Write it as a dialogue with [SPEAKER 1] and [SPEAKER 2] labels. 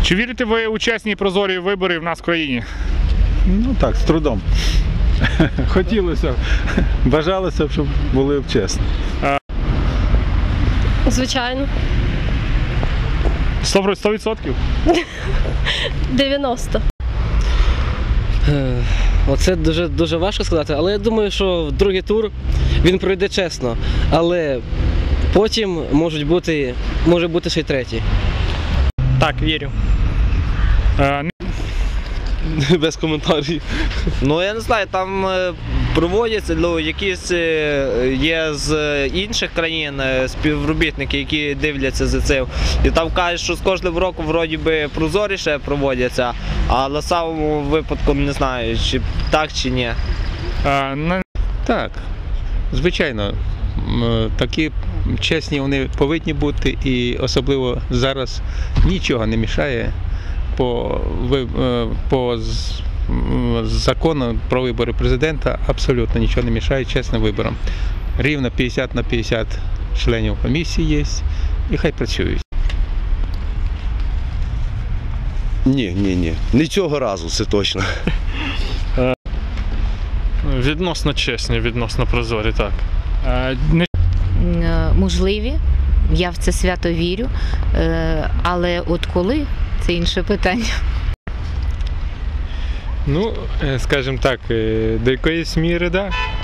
[SPEAKER 1] Чи вірите ви у чесні і прозорі вибори в нас в країні?
[SPEAKER 2] Ну так, з трудом. Хотілося, бажалося б, щоб були чесні.
[SPEAKER 3] Звичайно.
[SPEAKER 1] 100%?
[SPEAKER 3] 90.
[SPEAKER 4] Оце дуже важко сказати, але я думаю, що в другий тур він пройде чесно. Але потім може бути ще й третій.
[SPEAKER 5] Так, вірю.
[SPEAKER 4] Без коментарів.
[SPEAKER 5] Ну я не знаю, там проводяться якісь є з інших країн співробітники, які дивляться за цим. І там кажуть, що з кожним роком вроді би прозоріше проводяться, а на самому випадку не знаю, чи так чи ні.
[SPEAKER 6] Так, звичайно, такі чесні вони повинні бути, і особливо зараз нічого не мішає по закону про вибори президента, абсолютно нічого не мішає чесним виборам. Рівно 50 на 50 членів комісії є, і хай працюють.
[SPEAKER 7] Ні. Не цього разу, це точно.
[SPEAKER 1] Відносно чесні, відносно прозорі, так.
[SPEAKER 8] Можливі, я в це свято вірю, але от коли – це інше питання.
[SPEAKER 9] Ну, скажімо так, до якоїсь міри, так.